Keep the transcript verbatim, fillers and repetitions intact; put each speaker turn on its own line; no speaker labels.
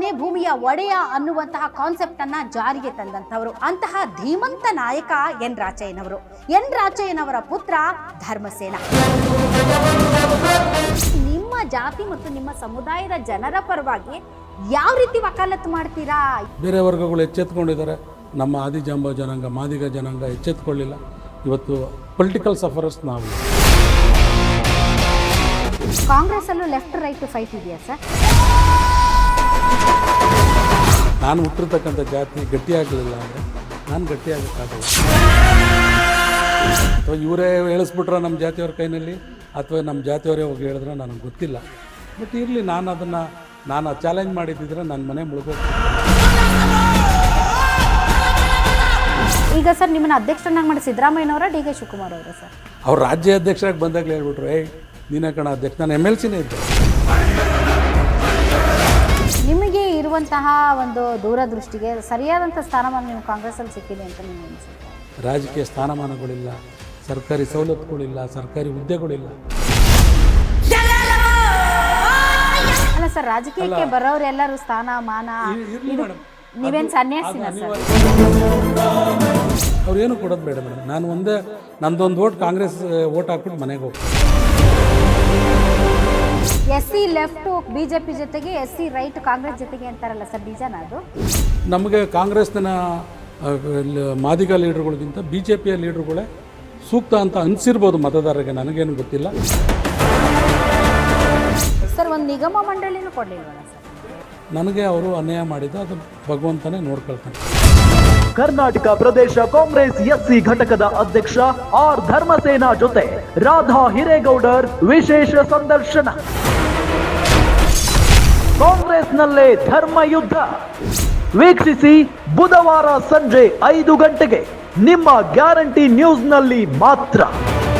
ಕೊನೆ ಭೂಮಿಯ ಒಡೆಯ ಅನ್ನುವಂತಹ ಕಾನ್ಸೆಪ್ಟ್ ಅನ್ನ ಜಾರಿಗೆ ತಂದಂತವರು ಅಂತಹ ಧೀಮಂತ ನಾಯಕ ಎನ್ ರಾಚಯ್ಯನವರು. ಎನ್ ರಾಚಯ್ಯನವರ ಪುತ್ರ ಧರ್ಮಸೇನ. ನಿಮ್ಮ ಜಾತಿ ಮತ್ತು ನಿಮ್ಮ ಸಮುದಾಯದ ಜನರ ಪರವಾಗಿ ಯಾವ ರೀತಿ ವಕಾಲತ್ತು ಮಾಡ್ತೀರಾ?
ಬೇರೆ ವರ್ಗಗಳು ಎಚ್ಚೆತ್ಕೊಂಡಿದ್ದಾರೆ, ನಮ್ಮ ಆದಿಜಾಂಬ ಜನಾಂಗ ಮಾದಿಗ ಜನಾಂಗ ಎಚ್ಚೆತ್ಕೊಳ್ಳಿಲ್ಲ. ಇವತ್ತು ಪೊಲಿಟಿಕಲ್ ಸಫರರ್ಸ್ ನಾವು.
ಕಾಂಗ್ರೆಸ್ ಅಲ್ಲೂ ಲೆಫ್ಟ್ ರೈಟ್ ಫೈಟ್ ಇದೆಯಾ ಸರ್?
ನಾನು ಹುಟ್ಟಿರ್ತಕ್ಕಂಥ ಜಾತಿ ಗಟ್ಟಿಯಾಗಲಿಲ್ಲ ಅಂದರೆ ನಾನು ಗಟ್ಟಿಯಾಗಕ್ಕಾಗಲ್ಲ. ಅಥವಾ ಇವರೇ ಹೇಳಿಸ್ಬಿಟ್ರೆ ನಮ್ಮ ಜಾತಿಯವ್ರ ಕೈನಲ್ಲಿ, ಅಥವಾ ನಮ್ಮ ಜಾತಿಯವರೇ ಹೋಗಿ ಹೇಳಿದ್ರೆ ನನಗೆ ಗೊತ್ತಿಲ್ಲ. ಬಟ್ ಇರಲಿ, ನಾನು ಅದನ್ನು ನಾನು ಚಾಲೆಂಜ್ ಮಾಡಿದ್ದಿದ್ರೆ ನನ್ನ ಮನೆ ಮುಳುಗೋಗ್ತೀನಿ.
ಈಗ ಸರ್ ನಿಮ್ಮನ್ನ ಅಧ್ಯಕ್ಷರನ್ನಾಗಿ ಮಾಡಿ ಸಿದ್ದರಾಮಯ್ಯನವರ ಡಿ ಕೆ ಶಿವಕುಮಾರ್ ಅವರ ಸರ್?
ಅವ್ರು ರಾಜ್ಯ ಅಧ್ಯಕ್ಷರಾಗಿ ಬಂದಾಗಲೇ ಹೇಳ್ಬಿಟ್ರು, ಏಯ್ ನೀನೇ ಕಣ ಅಧ್ಯಕ್ಷ. ನಾನು ಎಮ್ ಎಲ್ ಸಿನೇ ಇದ್ದೆ.
ನಿಮಗೆ ಇರುವಂತಹ ಒಂದು ದೂರದೃಷ್ಟಿಗೆ ಸರಿಯಾದಂಥ ಸ್ಥಾನಮಾನ ನೀವು ಕಾಂಗ್ರೆಸ್ಸಲ್ಲಿ ಸಿಕ್ಕಿದೆ ಅಂತ ನೀವು ಅನಿಸುತ್ತೆ?
ರಾಜಕೀಯ ಸ್ಥಾನಮಾನಗಳಿಲ್ಲ, ಸರ್ಕಾರಿ ಸವಲತ್ತುಗಳಿಲ್ಲ, ಸರ್ಕಾರಿ ಹುದ್ದೆಗಳಿಲ್ಲ.
ಅಲ್ಲ ಸರ್, ರಾಜಕೀಯಕ್ಕೆ ಬರೋರೆಲ್ಲರೂ ಸ್ಥಾನಮಾನ ನೀವೇನು ಸನ್ಯಾಸಿನ ಸರ್?
ಅವ್ರೇನು ಕೊಡೋದು ಬೇಡ ಮೇಡಮ್. ನಾನು ಒಂದೇ ನಂದೊಂದು ಓಟ್ ಕಾಂಗ್ರೆಸ್ ಓಟ್ ಹಾಕ್ಬಿಟ್ಟು ಮನೆಗೆ ಹೋಗ್ತೀನಿ.
ಎಸ್ ಸಿ ಲೆಫ್ಟ್ ಬಿಜೆಪಿ ಜೊತೆಗೆ, ಎಸ್ ಸಿ ರೈಟ್ ಕಾಂಗ್ರೆಸ್ ಜೊತೆಗೆ ಅಂತಾರಲ್ಲ ಸರ್, ನಿಜನಾ ಅದು?
ನಮಗೆ ಕಾಂಗ್ರೆಸ್ನ ಮಾದಿಗ ಲೀಡರ್ಗಳಿಗಿಂತ ಬಿ ಜೆ ಪಿಯ ಲೀಡರ್ಗಳೇ ಸೂಕ್ತ ಅಂತ ಅನಿಸಿರ್ಬೋದು ಮತದಾರರಿಗೆ, ನನಗೇನು ಗೊತ್ತಿಲ್ಲ.
ಸರ್ ಒಂದು ನಿಗಮ ಮಂಡಳಿನೂ ಕೊಡಲಿಲ್ವಲ್ಲ ಸರ್?
ನನಗೆ ಅವರು ಅನ್ಯಾಯ ಮಾಡಿದ್ದು ಅದು ಭಗವಂತನೇ ನೋಡ್ಕೊಳ್ತಾನೆ.
ಕರ್ನಾಟಕ ಪ್ರದೇಶ ಕಾಂಗ್ರೆಸ್ ಎಸ್ಸಿ ಘಟಕದ ಅಧ್ಯಕ್ಷ ಆರ್ ಧರ್ಮಸೇನಾ ಜೊತೆ ರಾಧಾ ಹಿರೇಗೌಡರ್ ವಿಶೇಷ ಸಂದರ್ಶನ. ಕಾಂಗ್ರೆಸ್ನಲ್ಲೇ ಧರ್ಮ ಯುದ್ಧ ವೀಕ್ಷಿಸಿ ಬುಧವಾರ ಸಂಜೆ ಐದು ಗಂಟೆಗೆ ನಿಮ್ಮ ಗ್ಯಾರಂಟಿ ನ್ಯೂಸ್ನಲ್ಲಿ ಮಾತ್ರ.